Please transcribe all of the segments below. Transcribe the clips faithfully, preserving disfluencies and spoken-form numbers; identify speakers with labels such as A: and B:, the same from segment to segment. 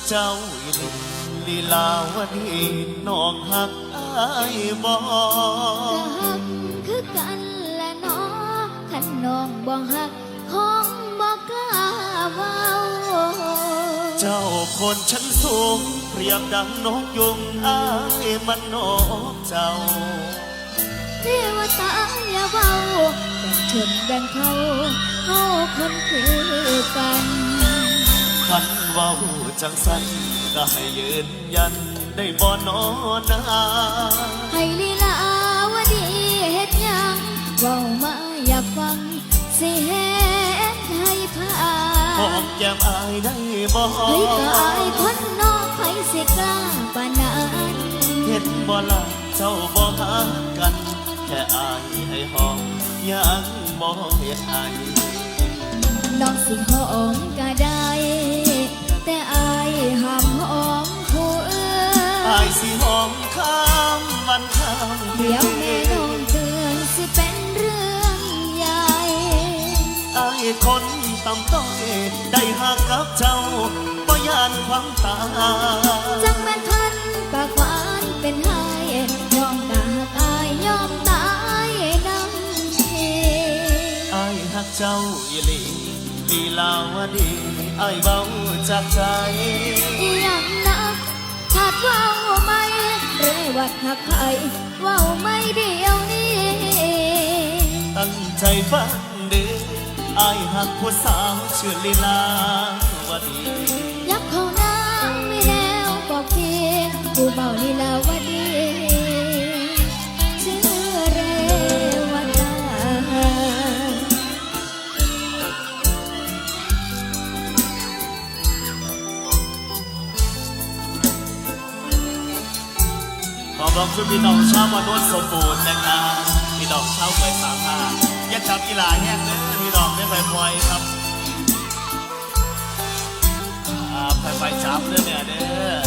A: เจ้าอีหลีลีลาวดีน้องหักอายบ่
B: ก็หักคือกันและน้องขันน้องบ่หักคงบ่กล้าเว้า
A: เจ้าคนชั้นสูงเปรียบดังนกยุงอายมันนกเจ้า
B: เทวตาอย่าเว้าแบ่งชนแบ่งเขาเฮาคนคือกัน
A: คันเว้าจังสันก็ให้ยืนยันได้บ่นอนา
B: ให้ลีลาวดีเฮ็ดหยังเว้ามาอยากฟังสิเฮ็ดให้พา
A: หอมแก้มอายได้บ่
B: เฮ้ยก็อายคนนอกไผสิกล้าปานนั้น
A: เห็นบ่ล่ะเจ้าบ่หากันแค่อายให้หอมยังบ่เฮ็ดให้
B: น้องสิหอมก็ได้แต่อายห้ามหอมผู้อื่น
A: อายสิหอมข้ามวันข้าม
B: เดี๋ยวแม่น้องเตือนสิเป็นเรื่องใหญ่
A: อายคนต่ำต้อยได้หักกับเจ้าบ่ยานความตาย
B: จังแม่นพันปากหวานเป็นไห้ยอมกะหักอายยอมตายน้ำที
A: อายหักเจ้าอีหลีลีลาวดีอายเบาจากใจ
B: ยังนักขาดว่าไม่เรวัดหักไผ่ว่าไม่เดียวนี้
A: ตั้งใจฟังเด้ออายหักผู้สาวชื่อลีลาวดี
B: ยับเข้าน้ำไม่แนวบอกพี่ผู้เบาลีลาวดีชื่อเรวัตา
A: ขอบอกคุณพี่น้องชาวมนุษย์สมบูรณ์นะครับพี่น้องชาวเคยสามารถยักจับกีฬาแห้งเลยพี่น้องไม่ไปพลอยครับไปไปจับเด้อเนี่ยเด้อ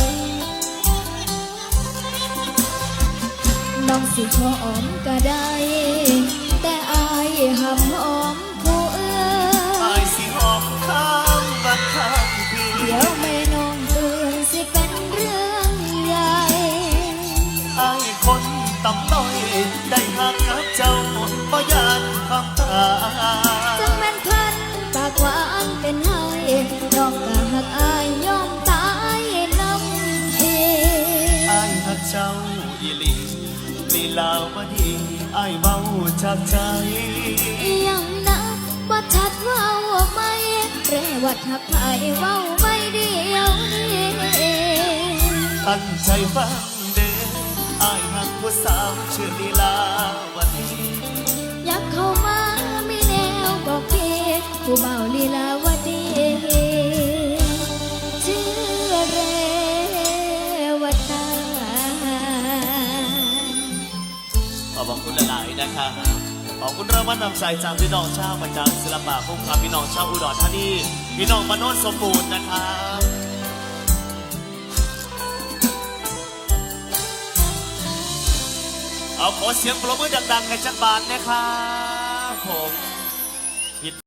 B: น้องสิหอมก็ได้แต่อายห้ามหอมผู้อื่น
A: อายสิหอมข้ามบัดข้ามพี่
B: เดี๋ยวแม่น้องเตือนสิเป็นเรื่องใหญ่
A: อายคนต่ำต้อยได้หักกับเจ้าบ่ยานความตาย
B: จังแม่นพันปากหวานเป็นไห้น้องก็หักอายยอมตายน้ำที
A: อายหักเจ้าอีหลีลีลาวดีอายเบาจากใจ
B: ยังนะบ่ชัดว่าไม่เรวัดหักไผ่เว้าไม่เดียวนี้
A: ตั้งใจฟังเด้ออายหักผู้สาวชื่อลีลาวดี
B: อยากเข้ามาไม่แนวบอกพี่ผู้เบาลีลาวดีชื่อเรวัตา
A: ขอบคุณหลายๆนะคะขอบคุณรางวัลนำใจจากพี่น้องชาวประจำศิลปะพุ่งครับพี่น้องชาวอุดรธานีพี่น้องมโนสมบูรณ์นะครับเอาขอเสียงปรบมือดังๆให้จักรบาลนะครับผม